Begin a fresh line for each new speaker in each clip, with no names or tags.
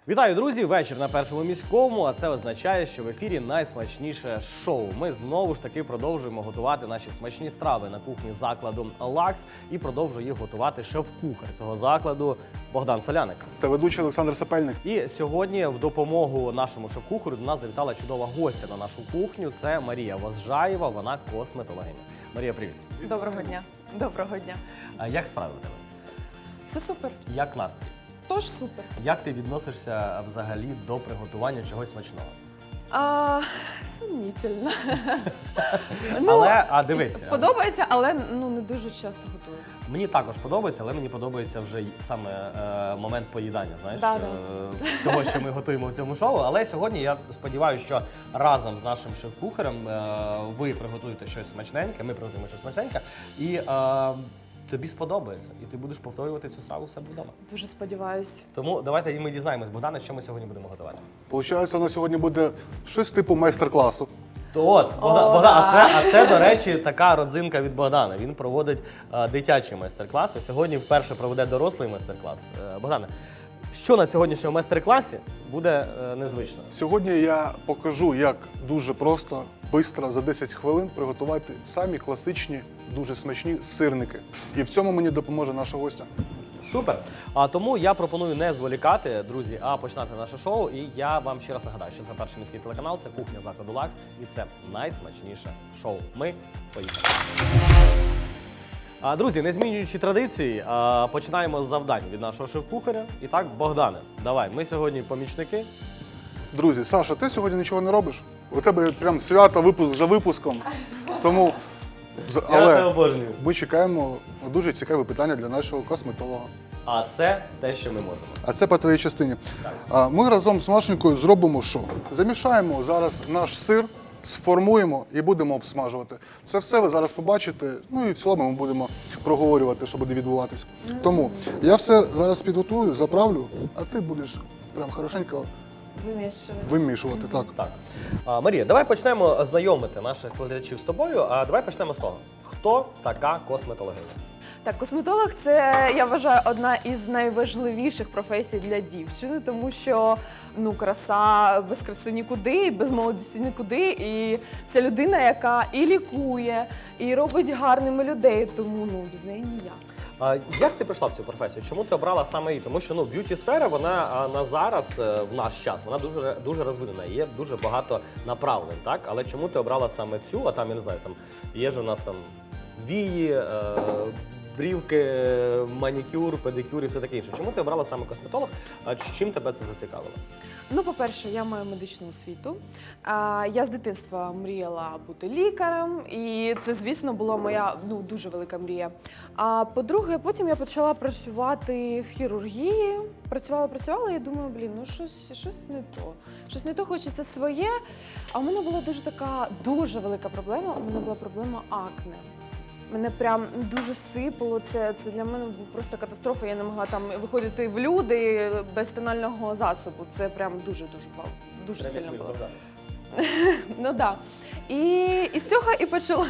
Вітаю, друзі! Вечір на Першому міському, а це означає, що в ефірі найсмачніше шоу. Ми знову ж таки продовжуємо готувати наші смачні страви на кухні закладу «Лакс» і продовжує їх готувати шеф-кухар цього закладу Богдан Соляник.
Та ведучий Олександр Сапельник.
І сьогодні в допомогу нашому шеф-кухарю до нас завітала чудова гостя на нашу кухню. Це Марія Возжаєва, вона косметологиня. Марія, привіт!
Доброго дня. Доброго дня.
А як справи в тебе?
Все супер.
Як настрій?
Тож супер.
Як ти відносишся взагалі до приготування чогось смачного?
Сумнітельно.
Але, дивись.
Подобається, але не дуже часто готую.
Мені також подобається, але мені подобається вже саме момент поїдання, знаєш,
Да.
того, що ми готуємо в цьому шоу. Але сьогодні я сподіваюся, що разом з нашим шеф-кухарем ви приготуєте щось смачненьке, ми приготуємо щось смачненьке, і тобі сподобається, і ти будеш повторювати цю страву в себе вдома.
Дуже сподіваюсь.
Тому давайте і ми дізнаємось, Богдане, що ми сьогодні будемо готувати.
Получається, у нас сьогодні буде щось типу майстер-класу.
То от, Богдан, а це, до речі, така родзинка від Богдана. Він проводить дитячі майстер-класи. Сьогодні вперше проведе дорослий майстер-клас. Богдане, що на сьогоднішньому майстер-класі буде незвично?
Сьогодні я покажу, як дуже просто, швидко, за 10 хвилин приготувати самі класичні, дуже смачні сирники. І в цьому мені допоможе наша гостя.
Супер! А тому я пропоную не зволікати, друзі, а починати наше шоу. І я вам ще раз нагадаю, що це перший міський телеканал, це кухня закладу «Лакс» і це найсмачніше шоу. Ми поїхали. Друзі, не змінюючи традиції, починаємо з завдань від нашого шеф-кухаря. І так, Богдане, давай, ми сьогодні помічники.
Друзі, Саша, ти сьогодні нічого не робиш? У тебе прям свято випуск за випуском. Тому,
Я це
але
обожнюю.
ми чекаємо дуже цікаве питання для нашого косметолога.
А це те, що ми можемо.
А це по твоїй частині. Ми разом з Машенькою зробимо що? Замішаємо зараз наш сир, сформуємо і будемо обсмажувати. Це все ви зараз побачите, ну і в цілому ми будемо проговорювати, що буде відбуватись. Тому я все зараз підготую, заправлю, а ти будеш прям хорошенько вимішувати. Так.
Так. Марія, давай почнемо знайомити наших глядачів з тобою. Давай почнемо з того. Хто така косметологиня?
Так, косметолог – це, я вважаю, одна із найважливіших професій для дівчини, тому що, краса, без краси нікуди, без молодості нікуди. І це людина, яка і лікує, і робить гарними людей, тому, без неї ніяк.
Як ти прийшла в цю професію? Чому ти обрала саме її? Тому що б'юті-сфера, вона на зараз, в наш час, вона дуже розвинена, є дуже багато направлень, так? Але чому ти обрала саме цю, а там, я не знаю, там є ж у нас там вії, брівки, манікюр, педикюр і все таке інше. Чому ти обрала саме косметолог? Чим тебе це зацікавило?
По-перше, я маю медичну освіту. Я з дитинства мріяла бути лікарем, і це, звісно, була моя дуже велика мрія. А по-друге, потім я почала працювати в хірургії. Працювала і думаю, щось не то. Щось не то, хочеться своє. А в мене була дуже велика проблема. У мене була проблема акне. Мене прям дуже сипало, це для мене був просто катастрофа, я не могла там виходити в люди без тонального засобу, це прям дуже сильно було. І з цього і почало.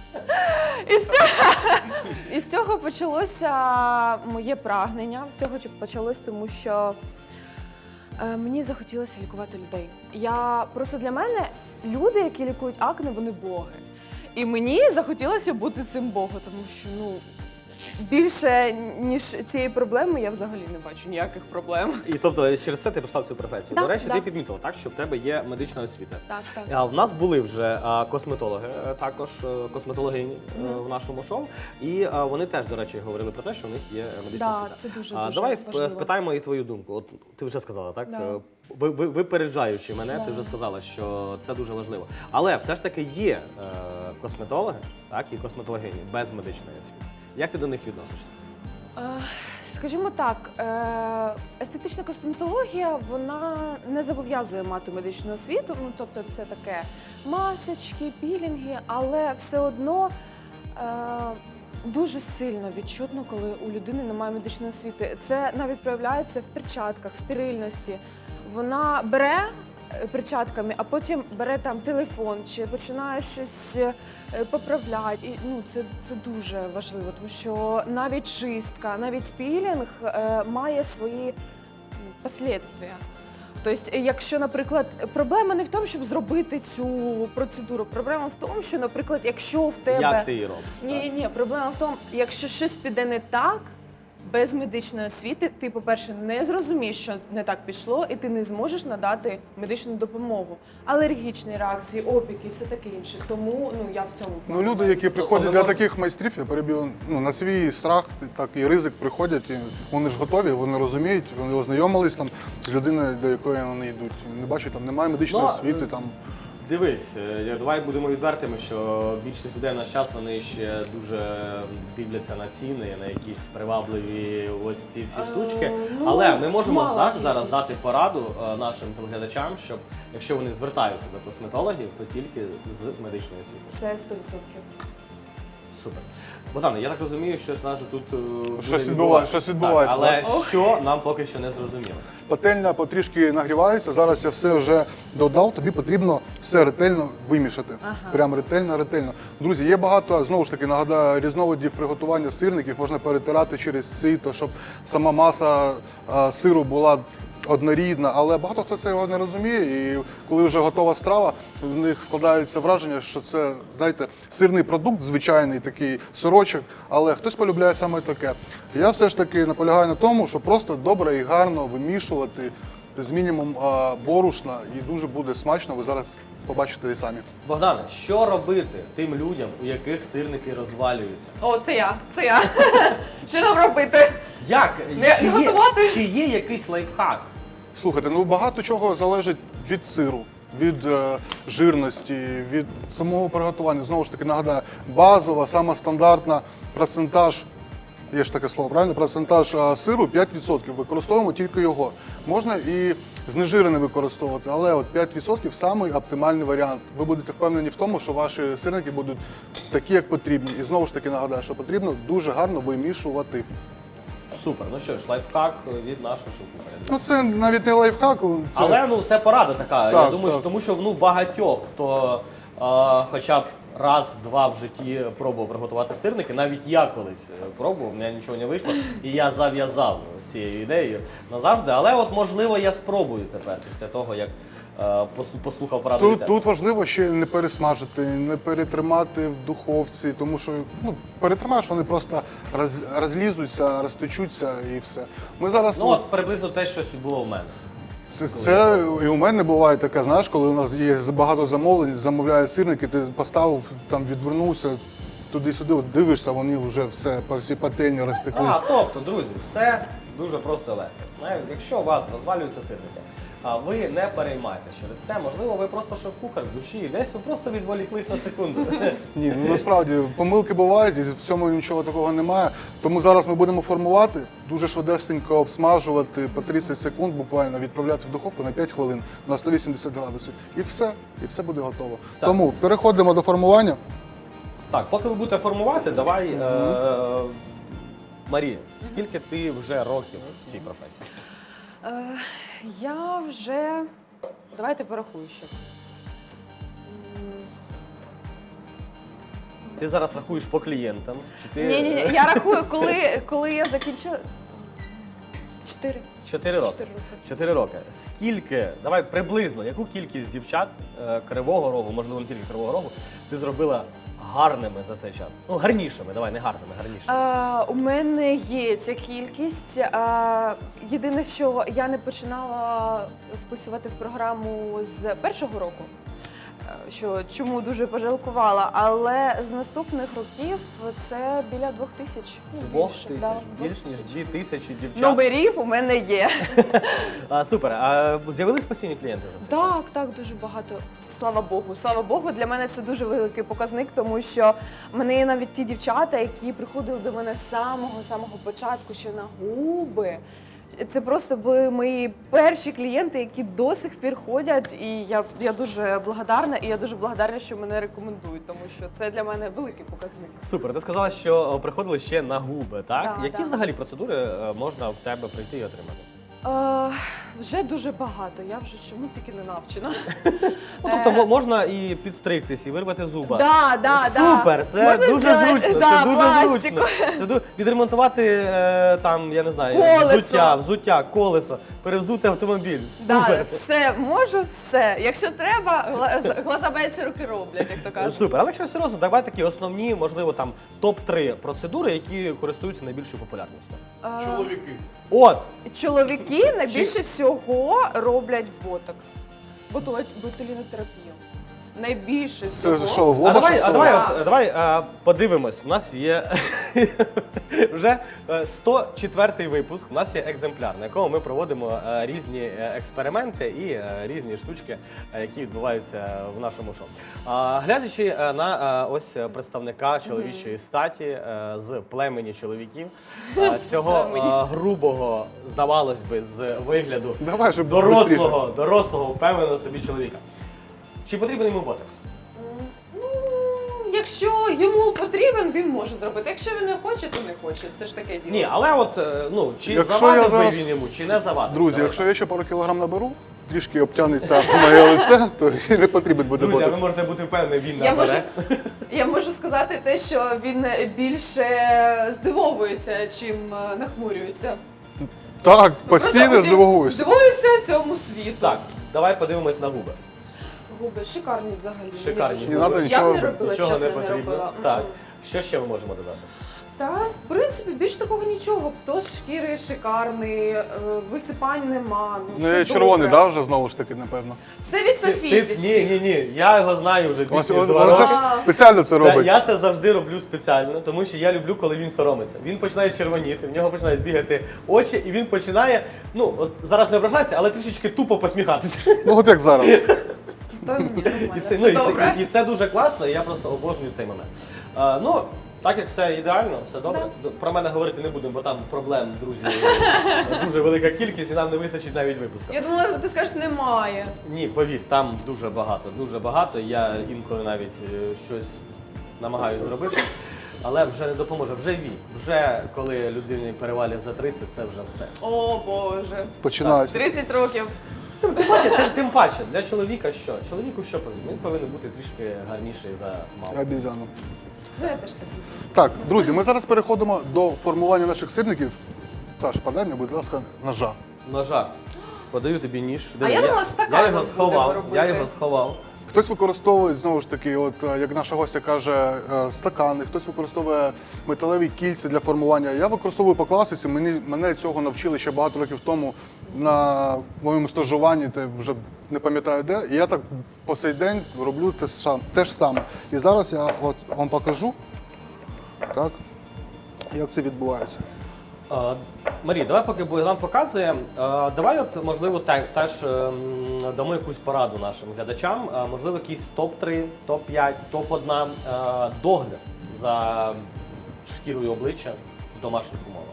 І з цього почалося моє прагнення, з цього почалось, тому що мені захотілося лікувати людей. Для мене люди, які лікують акне, вони боги. І мені захотілося бути цим богом, тому що, більше, ніж цієї проблеми, я взагалі не бачу ніяких проблем.
І тобто через це ти пішла в цю професію.
Да,
До речі,
да.
ти підмітила, так, що в тебе є медична освіта.
Так.
В нас були вже косметологи, також косметологині в нашому шоу, і вони теж, до речі, говорили про те, що в них є медична освіта.
Так, це дуже
Давай
важливо.
спитаємо і твою думку. От ти вже сказала, так?
Да.
Випереджаючи мене, ти вже сказала, що це дуже важливо. Але все ж таки є косметологи, так, і косметологині без медичної освіти. Як ти до них відносишся?
Скажімо так, естетична косметологія, вона не зобов'язує мати медичну освіту, тобто це таке масочки, пілінги, але все одно дуже сильно відчутно, коли у людини немає медичної освіти. Це навіть проявляється в перчатках, в стерильності. Вона бере перчатками, а потім бере там телефон чи починає щось поправляти. І, це дуже важливо, тому що навіть чистка, навіть пілінг має свої последствия. Тобто, якщо, наприклад, проблема не в тому, щоб зробити цю процедуру, проблема в тому, що, наприклад, якщо в тебе...
Як ти її робиш?
Ні, проблема в тому, якщо щось піде не так, без медичної освіти, ти, по-перше, не зрозумієш, що не так пішло, і ти не зможеш надати медичну допомогу. Алергічні реакції, опіки і все таке інше. Тому я в цьому
Ну, люди, які приходять для таких майстрів, я перебив, на свій страх, так і ризик приходять, і вони ж готові, вони розуміють, вони ознайомились там з людиною, до якої вони йдуть. Не бачать, там немає медичної освіти. Там.
Дивись, давай будемо відвертими, що більшість людей в наш час, вони ще дуже дивляться на ціни, на якісь привабливі ось ці всі штучки. Але ми можемо зараз дати пораду нашим телеглядачам, щоб якщо вони звертаються до косметологів, то тільки з медичної освіти.
Це 100%.
Супер. Богдане, я так розумію, що нас же тут
Щось
відбувається.
відбувається,
Але що нам поки що не зрозуміло.
Пательня потрішки нагрівається, зараз я все вже додав, тобі потрібно все ретельно вимішати. Прям ретельно. Друзі, є багато, знову ж таки, нагадаю, різновидів приготування сирників, можна перетирати через сито, щоб сама маса сиру була однорідна, але багато хто цього не розуміє, і коли вже готова страва, в них складається враження, що це, знаєте, сирний продукт, звичайний такий сирочок, але хтось полюбляє саме таке. Я все ж таки наполягаю на тому, що просто добре і гарно вимішувати з мінімум борошна, і дуже буде смачно, ви зараз побачите і самі.
Богдане, що робити тим людям, у яких сирники розвалюються?
О, це я. Що нам робити?
Як?
Не готувати?
Чи є якийсь лайфхак?
Слухайте, багато чого залежить від сиру, від жирності, від самого приготування. Знову ж таки, нагадаю, базова, сама стандартна процентаж, є ж таке слово, правильно? Процентаж сиру 5%. Використовуємо тільки його. Можна і знежирений використовувати, але от 5% – самий оптимальний варіант. Ви будете впевнені в тому, що ваші сирники будуть такі, як потрібні. І знову ж таки нагадаю, що потрібно дуже гарно вимішувати.
Супер, ну що ж, лайфхак від нашого шеф-кухаря.
Ну це навіть не лайфхак. Це...
Але це порада така.
Так,
Я думаю, що тому що багатьох, хто хоча б раз-два в житті пробував приготувати сирники, навіть я колись пробував, в мене нічого не вийшло, і я зав'язав з цією ідеєю назавжди. Але от можливо я спробую тепер після того, як послухав пораду.
Тут важливо ще не пересмажити, не перетримати в духовці, тому що перетримаєш, вони просто розлізуться, розтечуться і все. Ми зараз
Ну от приблизно те, що було в мене.
це і у мене буває таке, знаєш, коли у нас є багато замовлень, замовляють сирники, ти поставив, там відвернувся туди-сюди, от дивишся, вони вже все по всій пательні розтеклись.
Тобто, друзі, все дуже просто легко. Якщо у вас розвалюються сирники, ви не переймайтеся через це. Можливо, ви просто шеф-кухар в душі, і десь ви просто відволіклись на секунду.
Ні, насправді помилки бувають, і в цьому нічого такого немає. Тому зараз ми будемо формувати, дуже швидесенько обсмажувати по 30 секунд, буквально відправляти в духовку на 5 хвилин на 180 градусів. І все буде готово.
Так.
Тому переходимо до формування.
Так, поки ви будете формувати, давай, Марія, скільки ти вже років в цій професії?
Я вже... Давайте порахую щось.
Ти зараз рахуєш по клієнтам? Чи ти...
Ні, я рахую, коли я закінчила... 4.
4 роки.
4 роки.
4 роки. Скільки, давай приблизно, яку кількість дівчат Кривого Рогу, можливо, не тільки Кривого Рогу, ти зробила гарними за цей час? Ну, гарнішими, давай, не гарними, гарнішими.
У мене є ця кількість. Єдине, що я не починала вписувати в програму з першого року, чому дуже пожалкувала, але з наступних років це біля 2000.
2000?
Да,
Більш ніж 2000 дівчат?
Номерів у мене є.
Супер. А з'явились постійні клієнти за це?
Так, дуже багато. Слава Богу. Слава Богу, для мене це дуже великий показник, тому що в мене є навіть ті дівчата, які приходили до мене з самого початку, ще на губи. Це просто були мої перші клієнти, які до сих пір ходять, і я дуже благодарна, і я дуже благодарна, що мене рекомендують, тому що це для мене великий показник.
Супер, ти сказала, що приходили ще на губи, так?
Да,
Які
да.
взагалі процедури можна в тебе прийти і отримати?
Вже дуже багато, я вже чому тільки не навчена.
Ну, тобто можна і підстригтись, і вирвати зуба.
Да.
Супер, це
Можна
дуже
зробити,
зручно,
да,
це дуже
пластику.
зручно. Відремонтувати там, я не знаю,
Колесо.
взуття, колесо, перевзути автомобіль.
Да,
Супер.
все, можу все. Якщо треба, глазабельці руки роблять, як то кажуть.
Супер, але якщо серйозно, давай такі основні, можливо, там топ-3 процедури, які користуються найбільшою популярністю.
Чоловіки.
От,
Чоловіки найбільше всього роблять ботокс. Ботулінотерапію. Найбільше всього.
Це що, в
а
лоба
давай,
щось
а давай,
робить?
от, давай подивимось. У нас є вже 104-й випуск. У нас є екземпляр, на якому ми проводимо різні експерименти і різні штучки, які відбуваються в нашому шоу. Глядячи на ось представника чоловічої статі з племені чоловіків, цього грубого, здавалось би, з вигляду
Давай, щоб бистріше.
дорослого, впевненого собі чоловіка. Чи потрібен йому ботокс?
Ну, якщо йому потрібен, він може зробити. Якщо він не хоче, то не хоче. Це ж таке діло.
Ні, але от, ну, чи
Якщо
завадив
я
би
зараз-
він йому, чи не завадив?
Друзі,
Давай
якщо
так.
я ще пару кілограм наберу, трішки обтягнеться моє лице, то і не потрібен буде
Друзі, а ви
ботокс.
можете бути впевнені, він
Я
набере.
Я можу сказати те, що він більше здивовується, чим нахмурюється.
Так, постійно
Просто
здивуюся.
Здивуюся цьому світу.
Так, давай подивимось на губи.
Губи шикарні взагалі.
Шикарні
Мені
Не
губи.
треба
Я
нічого
б не
робити.
робила,
Нічого
чесно,
не
не
потрібно.
робила.
Так. Що ще ми можемо додати?
Та, в принципі, більш такого нічого. Птоз шкіри шикарний, висипань нема.
Ну,
все
я червоний,
добре.
да, вже знову ж таки, напевно.
Це від Софії.
Ні, я його знаю вже більше ніж 2
Вона
роки.
ж спеціально це робить.
Я це завжди роблю спеціально, тому що я люблю, коли він соромиться. Він починає червоніти, в нього починають бігати очі, і він починає, ну, от зараз не ображайся, але трішечки тупо посміхатися.
Ну от як зараз.
Та ні, нормально,
І це,
все
ну,
добре.
і це дуже класно, і я просто обожнюю цей момент. Ну, так як все ідеально, все добре. Про мене говорити не будемо, бо там проблем, друзі, дуже велика кількість, і нам не вистачить навіть випуску.
Я думала, ти скажеш, немає.
Ні, повір, там дуже багато. Я інколи навіть щось намагаюся зробити, але вже не допоможе. Вже вік. Вже коли людині перевалює за 30, це вже все.
О, Боже.
Починається.
30 років.
Тим паче, для чоловіка що? Чоловіку що потрібно? Він повинен бути трішки гарніший за маму.
Обізяно.
Це теж такі.
Так, друзі, ми зараз переходимо до формування наших сирників. Саш, подай мені, будь ласка, ножа.
Ножа. Подаю тобі ніж.
А я думала, стаканом
я його
будемо
сховав.
робити.
Я його сховав.
Хтось використовує, знову ж таки, от як наша гостя каже, стакани, хтось використовує металеві кільця для формування. Я використовую по класиці, мене цього навчили ще багато років тому на моєму стажуванні, ти вже не пам'ятаю де. І я так по цей день роблю те ж саме. І зараз я от вам покажу, так, як це відбувається.
Марія, давай поки Богдан показує, давай от, можливо, теж дамо якусь пораду нашим глядачам, можливо, якийсь топ-3, топ-5, топ-1 догляд за шкірою обличчя в домашніх умовах.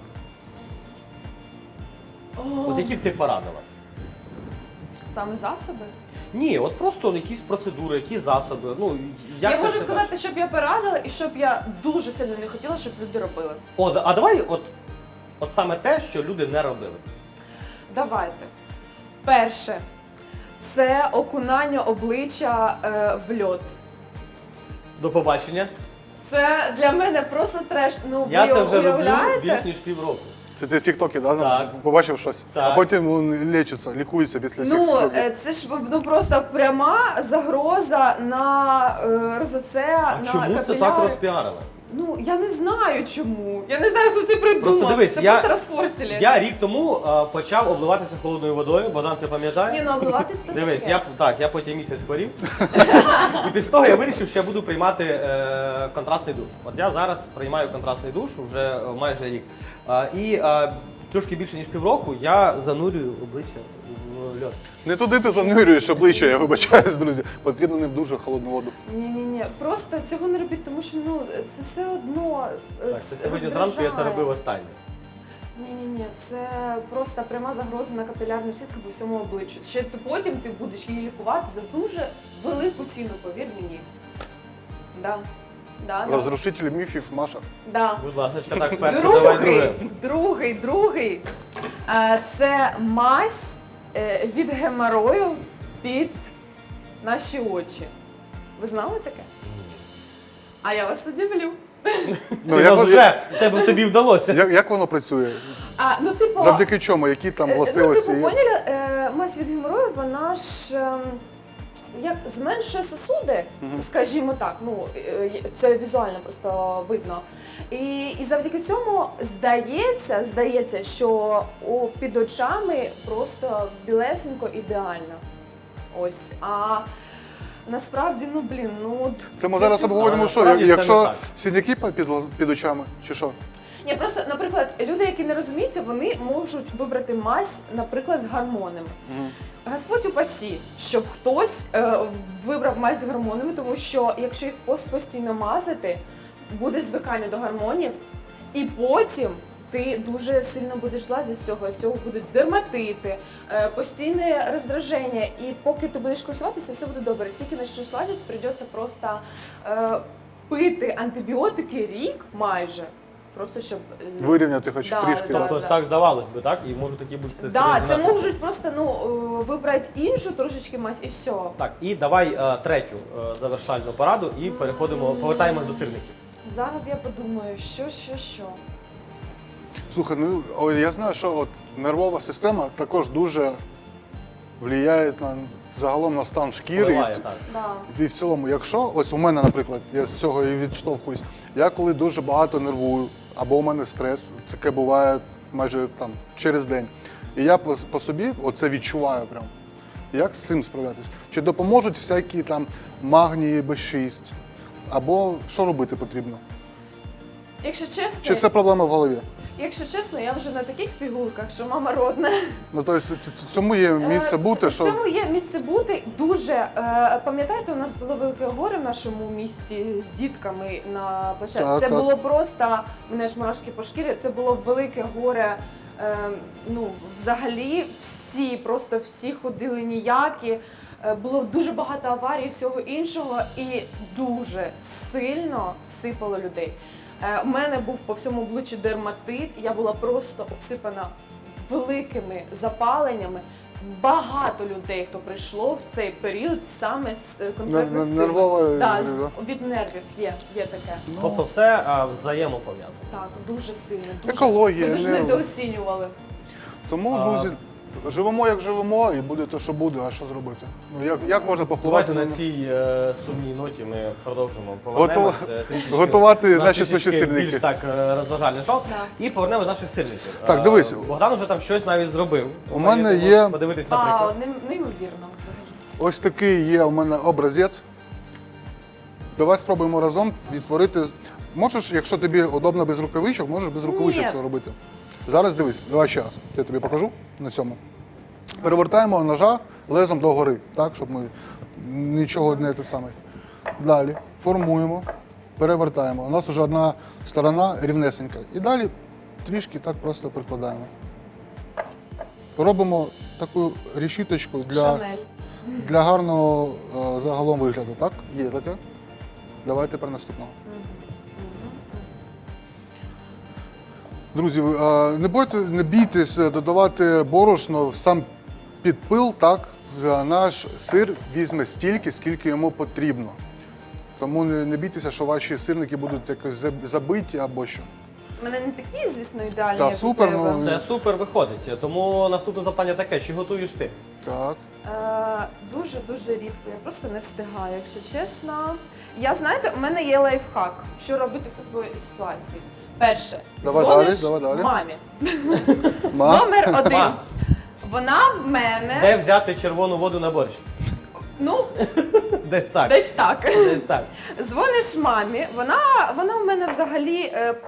От які б ти порадила?
Саме засоби?
Ні, от просто якісь процедури, які засоби. Ну, як
Я
ти
можу
це
сказати,
бачиш?
щоб я порадила і щоб я дуже сильно не хотіла, щоб люди робили.
А давай от саме те, що люди не робили.
Давайте. Перше. Це окунання обличчя в льод.
До побачення.
Це для мене просто треш. Ну,
Я
ви
це вже роблю
уявляєте?
більш ніж півроку.
Це ти в Тіктокі, да?
Так.
Побачив щось?
Так.
А потім він лічиться, після цих
Ну,
тіктоків.
це ж просто пряма загроза на розоце,
А
на
чому це
капіляри.
так розпіарили?
Ну, я не знаю чому. Я не знаю, хто це придумав.
Просто дивись,
це
я-
просто розфорсили.
Я рік тому почав обливатися холодною водою, Богдан це пам'ятає.
Ні, ну обливатись то
Дивись,
таке.
я потім місяць хворів. І після того я вирішив, що я буду приймати контрастний душ. От я зараз приймаю контрастний душ вже майже рік. І трошки більше ніж півроку я занурюю обличчя в льод.
Не туди ти занурюєш обличчя, я вибачаюсь, друзі. Потрібно не в дуже холодну воду.
Ні. Просто цього не робіть, тому що ну це все одно.
Так, це сьогодні зранку я це робив останнє.
Ні, це просто пряма загроза на капілярну сітку по всьому обличчю. Ще потім ти будеш її лікувати за дуже велику ціну, повір мені. Да.
Розрушитель міфів, Маша.
Да.
Будь ласка, так перше, давай друге.
Другий. Це мазь від геморою під наші очі. Ви знали таке? А я вас удивлю.
Ну, як,
тобі вдалося.
як воно працює?
Типу,
Завдяки чому? Які там властивості
Ну,
є?
поняли, мазь від геморою, вона ж як зменшує сосуди, скажімо так, ну це візуально просто видно. І завдяки цьому здається, що під очами просто білесенько ідеально. Ось. А насправді,
Це ми зараз
для цього-
обговоримо, що
насправді це не
якщо
так.
синяки під очами, чи що?
Ні, просто, наприклад, люди, які не розуміються, вони можуть вибрати мазь, наприклад, з гормонами. Господь упасі, щоб хтось вибрав мазь з гормонами, тому що якщо їх постійно мазати, буде звикання до гормонів, і потім ти дуже сильно будеш злазити з цього будуть дерматити, постійне роздраження, і поки ти будеш користуватися, все буде добре. Тільки на щось лазити, прийдеться просто пити антибіотики рік майже. Просто щоб
Вирівняти хоч трішки.
да.
Тобто так здавалось би, так? І можуть такі бути
Да, це
наслідки.
можуть просто вибрати іншу трошечки мазь і все.
Так, і давай третю завершальну пораду і повертаємось до сирників.
Зараз я подумаю, що.
Слухай, я знаю, що от нервова система також дуже впливає загалом на стан шкіри.
Впливає, так.
Да.
І в цілому, якщо, ось у мене, наприклад, я з цього і відштовхуюсь, я коли дуже багато нервую, або у мене стрес, це таке буває майже через день. І я по собі оце відчуваю прям. Як з цим справлятись? Чи допоможуть всякі магнії Б6? Або що робити потрібно?
Якщо чесно,
Чи це проблема в голові?
я вже на таких пігулках, що мама родна.
Ну, тобто, цьому є місце бути,
В
що...
цьому є місце бути дуже. Пам'ятаєте, у нас було велике горе в нашому місті з дітками на початку.
Так,
Це
так.
було просто, мене ж мурашки по шкірі, це було велике горе. Взагалі всі ходили ніякі. Було дуже багато аварій, всього іншого, і дуже сильно всипало людей. У мене був по всьому обличчю дерматит, я була просто обсипана великими запаленнями. Багато людей, хто прийшло в цей період саме з конкретно з цим.
Нервова
Да,
зрива.
від нервів є таке.
Тобто все взаємопов'язано.
Так, дуже сильно.
Екологія,
Ми дуже
нерви.
недооцінювали.
Тому, друзі, живемо як живемо, і буде те, що буде, а що зробити? Як можна попливати?
Давайте на цій сумній ноті ми продовжимо. Повернемось, трішечки
готувати
на
наші
трішечки
смачні сирники.
Більш так розважальне шоу.
Да.
І повернемось до наших сирників.
Так, дивись.
Богдан вже там щось навіть зробив.
У мене
Можеш
є-
подивитись, наприклад.
Неймовірно взагалі.
Ось такий є у мене образець. Давай спробуємо разом відтворити. Можеш, якщо тобі удобно без рукавичок, можеш без рукавичок
Ні.
це робити. Зараз дивись, давай ще раз. Я тобі покажу на цьому. Перевертаємо ножа лезом догори, так, щоб ми нічого не те саме. Далі формуємо, перевертаємо. У нас вже одна сторона рівнесенька. І далі трішки так просто прикладаємо. Робимо таку решіточку
Шанель.
для гарного загалом вигляду, так? Є таке. Давай тепер наступного. Друзі, не бійтесь додавати борошно в сам підпил, так? Наш сир візьме стільки, скільки йому потрібно. Тому не бійтеся, що ваші сирники будуть якось забиті або що.
У мене не такі, звісно, ідеальні,
Та,
як у
супер,
тебе.
ну,
Це супер виходить. Тому наступне запитання таке: чи готуєш ти?
Так.
Дуже рідко, я просто не встигаю, якщо чесно. Знаєте, у мене є лайфхак, що робити в такій ситуації. Перше,
Давай
дзвониш
далі.
мамі.
Ма?
Номер один.
Ма.
Вона в мене,
Де взяти червону воду на борщ? Десь так.
десь так.
Десь так.
Дзвониш мамі, вона в мене взагалі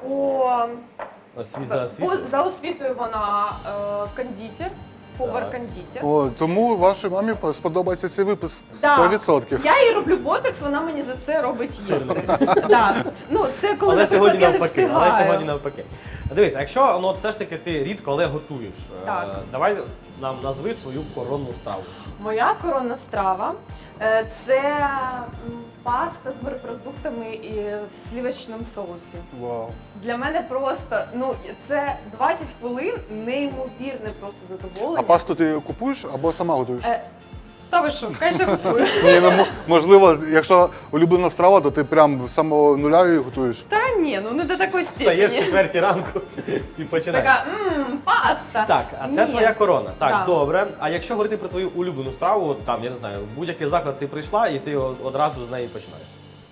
за освітою вона кондитер, повар-кондитер.
О, тому вашій мамі сподобається цей випис
Да.
100%.
Я їй роблю ботекс, вона мені за це робить їсти. Да. Це коли,
Але
наприклад,
сьогодні
я не
навпаки.
встигаю.
Але сьогодні навпаки. Дивись, а якщо ну, все ж таки ти рідко, але готуєш,
Так.
давай нам назви свою коронну страву.
Моя коронна страва це паста з морепродуктами і в сливочному соусі.
Вау.
Для мене просто, ну, це 20 хвилин неймовірне просто задоволення.
А пасту ти купуєш або сама готуєш?
Та ви що, хай же купую.
Ні, ну, можливо, якщо улюблена страва, то ти прям з самого нуля її готуєш.
Та ні, ну не до такої
Встаєш в
степені.
4 ранку і починаєш.
Така, паста.
Так, а це
Ні.
твоя корона. Так,
Да.
добре. А якщо говорити про твою улюблену страву, от там, я не знаю, в будь-який заклад ти прийшла і ти одразу з неї починаєш.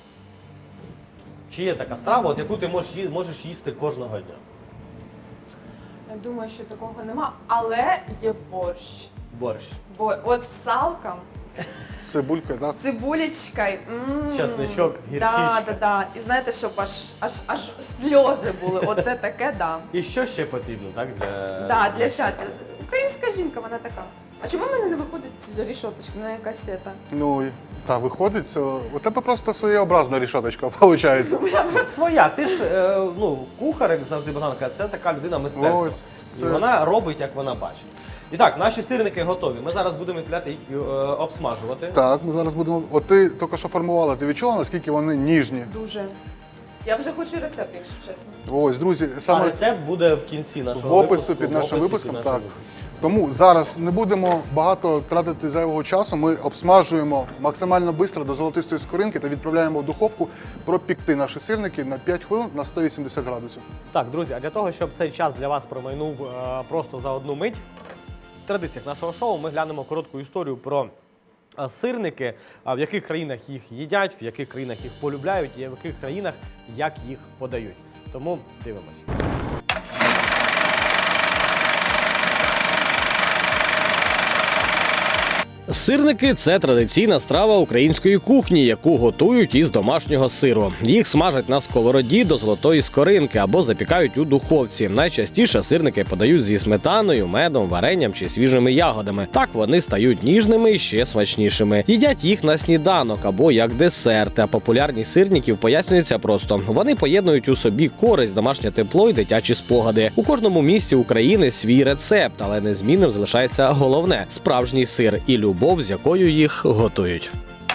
Чи є така страва, от, яку ти можеш їсти кожного дня?
Я думаю, що такого нема, але є борщ.
Борщ.
Бо от з салком,
З цибулькою, так?
з цибулечкою.
Чесничок, гірчичка.
Да. І знаєте, щоб аж сльози були. Оце таке, да.
І що ще потрібно, так?
Для щастя. Українська жінка, вона така. А чому в мене не виходить рішоточка, вона якась сета?
Ну, та виходить, у тебе просто своєобразна рішаточка, виходить.
Своя, ти ж ну, кухар, як завжди Богдан каже, це така людина мистецтва.
Ось, все.
І вона робить, як вона бачить. І так, наші сирники готові. Ми зараз будемо відправляти їх обсмажувати.
Так, ми зараз будемо. От ти тільки що формувала, ти відчула, наскільки вони ніжні?
Дуже. Я вже хочу рецепт, якщо чесно.
Ось, друзі,
А
саме
рецепт буде в кінці нашого
в опису
випуску,
під
в
нашим
описі
випуском.
під
Так.
нашим випуском.
Тому зараз не будемо багато тратити зайвого часу. Ми обсмажуємо максимально швидко до золотистої скоринки та відправляємо в духовку пропікти наші сирники на 5 хвилин на 180 градусів.
Так, друзі, а для того, щоб цей час для вас промайнув просто за одну мить, в традиціях нашого шоу ми глянемо коротку історію про сирники, в яких країнах їх їдять, в яких країнах їх полюбляють і в яких країнах як їх подають. Тому дивимось. Сирники – це традиційна страва української кухні, яку готують із домашнього сиру. Їх смажать на сковороді до золотої скоринки або запікають у духовці. Найчастіше сирники подають зі сметаною, медом, варенням чи свіжими ягодами. Так вони стають ніжними і ще смачнішими. Їдять їх на сніданок або як десерт. А популярність сирників пояснюється просто. Вони поєднують у собі користь, домашнє тепло і дитячі спогади. У кожному місті України свій рецепт, але незмінним залишається головне – справжній сир і любов, з якою їх готують.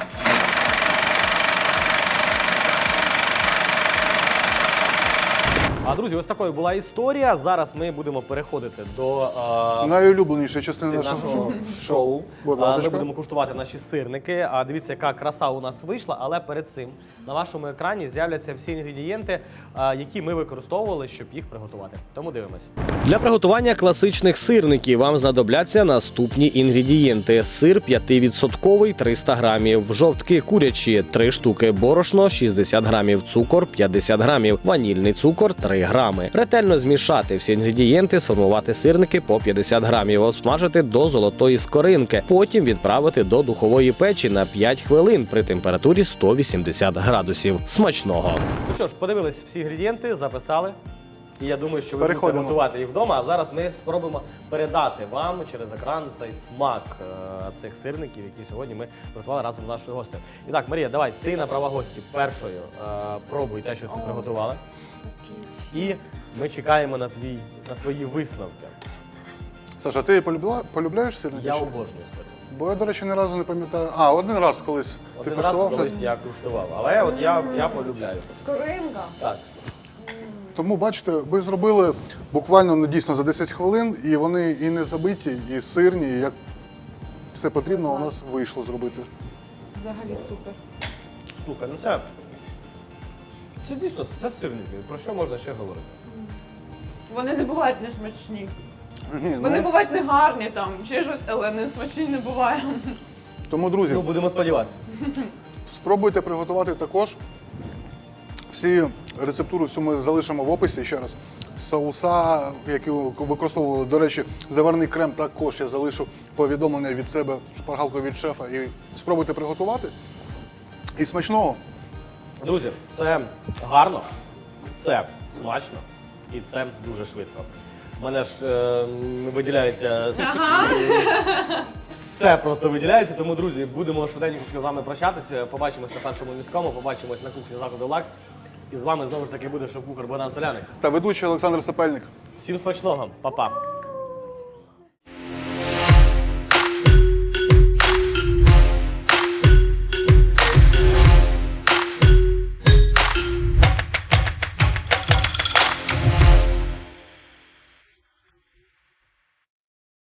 А, друзі, ось такою була історія. Зараз ми будемо переходити до
Найулюбленіша частина нашого
нашого шоу.
Будь
Ми
ласка.
будемо куштувати наші сирники. А дивіться, яка краса у нас вийшла, але перед цим на вашому екрані з'являться всі інгредієнти, які ми використовували, щоб їх приготувати. Тому дивимось. Для приготування класичних сирників вам знадобляться наступні інгредієнти: сир 5% 300 грамів, жовтки курячі 3 штуки, борошно 60 грамів, цукор 50 грамів, ванільний цукор 3 грами. Ретельно змішати всі інгредієнти, сформувати сирники по 50 грамів, обсмажити до золотої скоринки. Потім відправити до духової печі на 5 хвилин при температурі 180 градусів. Смачного! Ну що ж, подивились всі інгредієнти, записали. І я думаю, що ви будете
Переходимо.
готувати їх вдома. А зараз ми спробуємо передати вам через екран цей смак цих сирників, які сьогодні ми приготували разом з нашою гостею. І так, Марія, давай, ти на права гості першою пробуй те, що ти приготувала. І ми чекаємо на твої висновки.
Саша, ти полюбляєш сирники?
Я
чи?
обожнюю сирники.
Бо я, до речі, ні разу не пам'ятаю. А, один раз колись.
Один
ти
раз
коштував
колись
щось?
я куштував, але от я полюбляю.
Скоринка.
Так.
Тому, бачите, ви зробили буквально дійсно за 10 хвилин, і вони і не забиті, і сирні, і як все потрібно, у нас вийшло зробити.
Взагалі супер.
Слухай, ну це дійсно, це сирники. Про що можна ще говорити?
Вони не бувають несмачні.
Ні,
Вони бувають не гарні там, чи щось, але не смачні не буває.
Тому, друзі,
Ну, будемо сподіватися.
спробуйте приготувати також. Всі рецептуру всю ми залишимо в описі ще раз. Соуса, які використовували, до речі, заварний крем також я залишу повідомлення від себе, шпаргалку від шефа. І спробуйте приготувати. І смачного!
Друзі, це гарно, це смачно і це дуже швидко. У мене ж виділяється все просто виділяється. Тому, друзі, будемо швиденько з вами прощатися. Побачимось на першому міському, побачимось на кухні закладу Лакс. І з вами знову ж таки буде шеф-кухар Богдан Соляник.
Та ведучий Олександр Сапельник.
Всім смачного, па-па!